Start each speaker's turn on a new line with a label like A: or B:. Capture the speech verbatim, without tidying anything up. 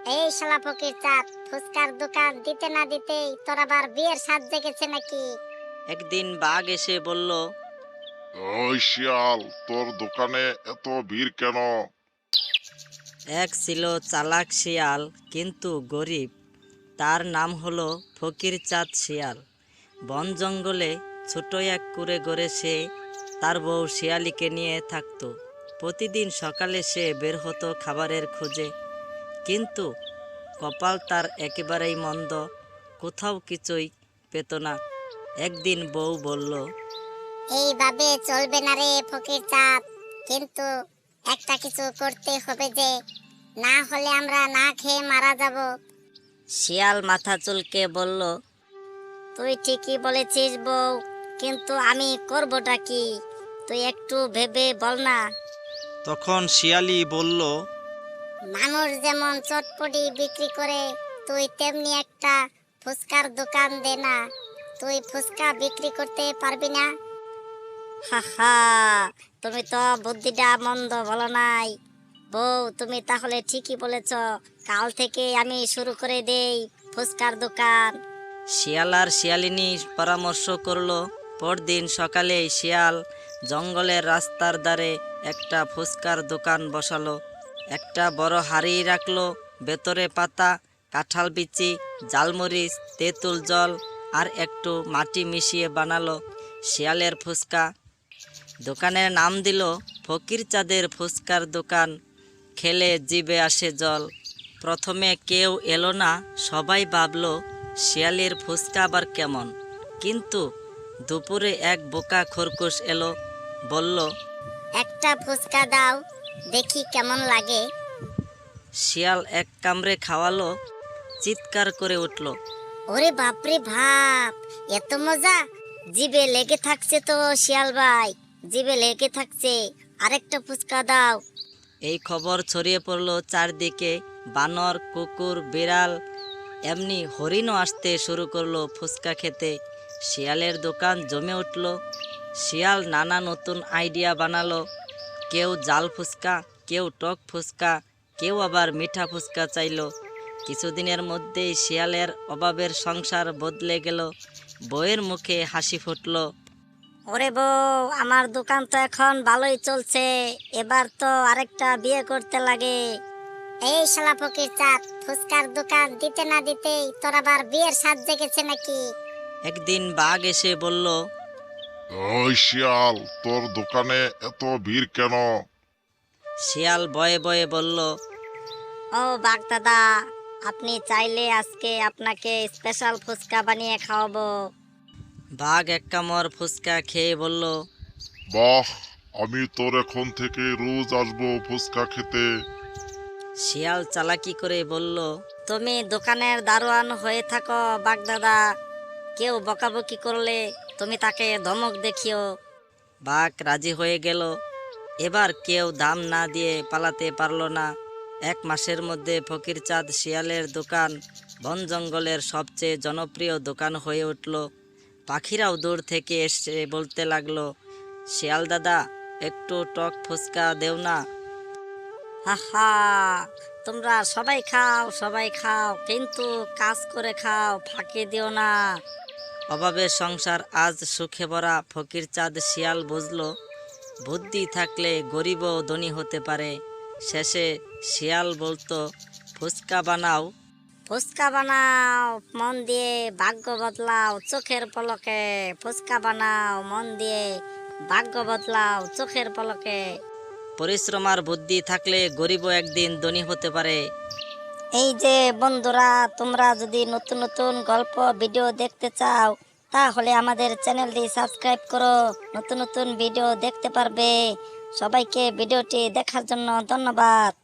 A: এই শালা ফকির চাঁদ, ফুচকার দোকান দিতে না দিতেই তোর আবার বিয়ের সাজ জেগেছে নাকি?
B: একদিন বাঘ এসে বলল,
C: ওই শিয়াল, তোর দোকানে এত ভিড় কেন?
B: এক ছিল চালাক শিয়াল কিন্তু গরিব। তার নাম হলো ফকির চাঁদ শিয়াল। বন জঙ্গলে ছোট এক কুঁড়ে ঘরে সে তার বউ শিয়ালিকে নিয়ে থাকতো। প্রতিদিন সকালে সে বের হতো খাবারের খোঁজে, কিন্তু কপাল তার একেবারেই মন্দ, কোথাও কিছুই পেত না। একদিন বউ বলল,
A: এইভাবে চলবে না রে ফকির চাঁদ, কিন্তু একটা কিছু করতে হবে যে, না হলে আমরা না খেয়ে মারা যাব।
B: শিয়াল মাথা চুলকে বলল,
A: তুই ঠিকই বলেছিস বউ, কিন্তু আমি করবটা কি? তুই একটু ভেবে বল না।
D: তখন শিয়ালি বলল,
A: মানুষ যেমন চটপটি বিক্রি করে, তুই তেমনি একটা ফুচকার দোকান দে না। তুই ফুচকা বিক্রি করতে পারবি না? হা হা, তুমি তো বুদ্ধিটা মন্দ বলো নাই বউ, তুমি তাহলে ঠিকই বলেছ। কাল থেকে আমি শুরু করে দেই ফুচকার দোকান।
B: শিয়াল আর শিয়ালিনী পরামর্শ করলো। পরদিন সকালে শিয়াল জঙ্গলের রাস্তার ধারে একটা ফুচকার দোকান বসালো। একটা বড় হাঁড়ি রাখলো, ভেতরে পাতা, কাঁঠাল বিচি, জালমরিচ, তেঁতুল জল আর একটু মাটি মিশিয়ে বানালো শিয়ালের ফুচকা। দোকানের নাম দিল ফকির চাঁদের ফুচকার দোকান। খেলে জিভে আসে জল। প্রথমে কেউ এলো না, সবাই ভাবলো শিয়ালের ফুচকা আবার কেমন। কিন্তু দুপুরে এক বোকা খরগোশ এলো, বলল,
A: একটা ফুচকা দাও, দেখি কেমন লাগে।
B: শিয়াল এক কামড়ে খাওয়ালো, চিৎকার করে উঠল,
A: ওরে বাপরে বাপ, এত মজা! জিভে লেগে থাকছে তো শিয়াল ভাই, জিভে লেগে থাকছে, আরেকটা ফুচকা দাও।
B: এই খবর ছড়িয়ে পড়লো চারদিকে। বানর, কুকুর, বিড়াল, এমনি হরিণও আসতে শুরু করলো ফুচকা খেতে। শিয়ালের দোকান জমে উঠল। শিয়াল নানা নতুন আইডিয়া বানালো। কেউ জাল ফুচকা, কেউ টক ফুচকা, কেউ আবার মিঠা ফুচকা চাইলো। কিছুদিনের মধ্যেই শিয়ালের অভাবের সংসার বদলে গেল। বউয়ের মুখে হাসি ফুটল।
A: ওরে বউ, আমার দোকান তো এখন ভালোই চলছে, এবার তো আরেকটা বিয়ে করতে লাগে। এই শালা ফকির চাঁদ, ফুচকার দোকান দিতে না দিতেই তোর আবার বিয়ের সাজ জেগেছে নাকি?
B: একদিন বাঘ এসে বলল,
C: ওই শিয়াল, তোর দোকানে এত ভিড় কেন?
B: শিয়াল বয়ে বয়ে বলল,
A: ও বাঘ দাদা, আপনি চাইলে আজকে আপনাকে স্পেশাল ফুচকা বানিয়ে খাওয়াবো।
B: বাঘ এক কামড় ফুচকা খেয়ে বলল,
C: বাহ, আমি তোর এখন থেকে রোজ আসবো ফুচকা খেতে।
B: শিয়াল চালাকি করে বলল,
A: তুমি দোকানের দারোয়ান হয়ে থাকো বাঘ দাদা, কেউ বকাবকি করলে তুমি তাকে ধমক দেখিও।
B: বাঘ রাজি হয়ে গেল। এবার কেউ দাম না দিয়ে পালাতে পারল না। এক মাসের মধ্যে ফকির চাঁদ শিয়ালের দোকান বন জঙ্গলের সবচেয়ে জনপ্রিয় দোকান হয়ে উঠল। পাখিরাও দূর থেকে এসে বলতে লাগলো, শিয়াল দাদা, একটু টক ফুচকা দেও না।
A: হা হা, তোমরা সবাই খাও, সবাই খাও, কিন্তু কাজ করে খাও, ফাঁকি দিও না।
B: অভাবের সংসার আজ সুখে ভরা। ফকির চাঁদ শিয়াল বুঝলো, বুদ্ধি থাকলে গরিবও ধনী হতে পারে। শেষে শিয়াল বলতো, ফুচকা বানাও,
A: ফুচকা বানাও মন দিয়ে, ভাগ্য বদলাও চোখের পলকে। ফুচকা বানাও মন দিয়ে, ভাগ্য বদলাও চোখের পলকে।
B: পরিশ্রম আর বুদ্ধি থাকলে গরিবও একদিন ধনী হতে পারে।
A: এই যে বন্ধুরা, তোমরা যদি নতুন নতুন গল্প ভিডিও দেখতে চাও, তাহলে আমাদের চ্যানেলটি সাবস্ক্রাইব করো, নতুন নতুন ভিডিও দেখতে পারবে। সবাইকে ভিডিওটি দেখার জন্য ধন্যবাদ।